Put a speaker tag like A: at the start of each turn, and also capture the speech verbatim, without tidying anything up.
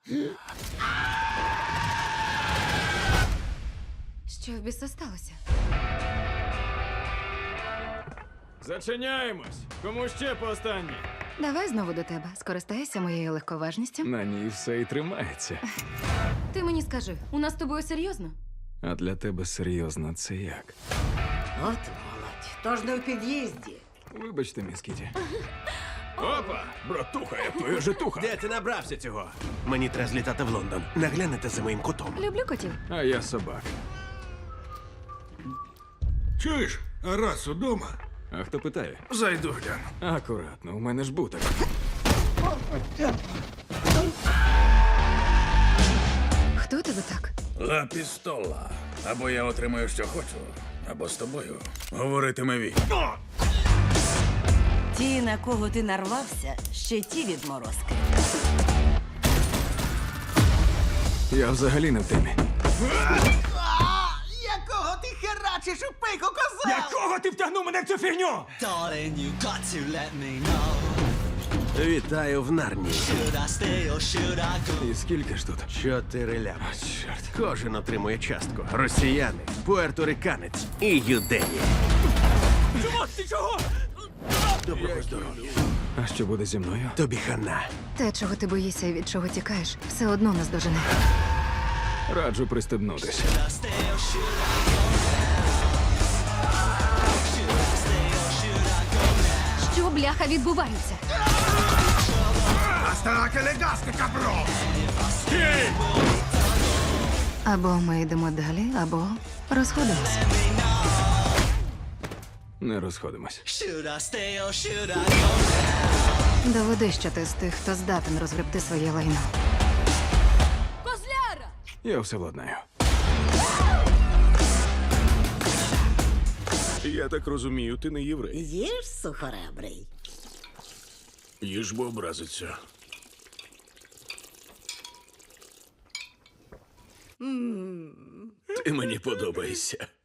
A: Що в біса сталося?
B: Зачиняємось! Кому ще по останній?
A: Давай знову до тебе. Скористайся моєю легковажністю.
B: На ній все і тримається.
A: Ти мені скажи, у нас з тобою серйозно?
B: А для тебе серйозно це як?
C: От молодь. Тож не в під'їзді.
B: Вибачте, міс Кіті. Опа! Братуха, я твоя житуха!
D: Де ти набрався цього? Мені треба злітати в Лондон. Наглянете за моїм котом.
A: Люблю котів.
B: А я собак.
E: Чуєш, а раз удома?
B: А хто питає?
E: Зайду гляну.
B: Акуратно, у мене ж буток.
A: Хто тебе так?
E: Ла пістола. Або я отримаю, що хочу, або з тобою говоритиме він.
C: Ті, на кого ти нарвався, ще ті відморозки.
B: Я взагалі не в темі.
D: Якого ти херачиш у пику, коза?
B: Якого ти втягнув мене в цю фігню?
F: Darling, you got to let me know.
D: Вітаю в Нарнії.
F: Should I stay or should I go?
B: І скільки ж тут?
D: Чотири лями.
B: Чорт.
D: Кожен отримує частку. Росіяни, пуерториканець і юдеї.
B: Чого? Ти чого?
D: Доброго здоров'я.
B: А що буде зі мною?
D: Тобі хана.
A: Те, чого ти боїшся і від чого тікаєш, все одно нас дожене.
B: Раджу пристебнутись.
F: Should I stay or should I go? Should I stay or should I go?
A: Що, бляха, відбувається? Або ми йдемо далі, або розходимося.
B: Не розходимось.
F: Should I stay or should I go?
A: Доведи, що ти з тих, хто здатен розгребти своє лайно.
B: Я все владнаю.
E: Я так розумію, ти не єврей.
C: Їж, сухоребрий.
E: Їж, бо образиться. Ти мені подобаєшся.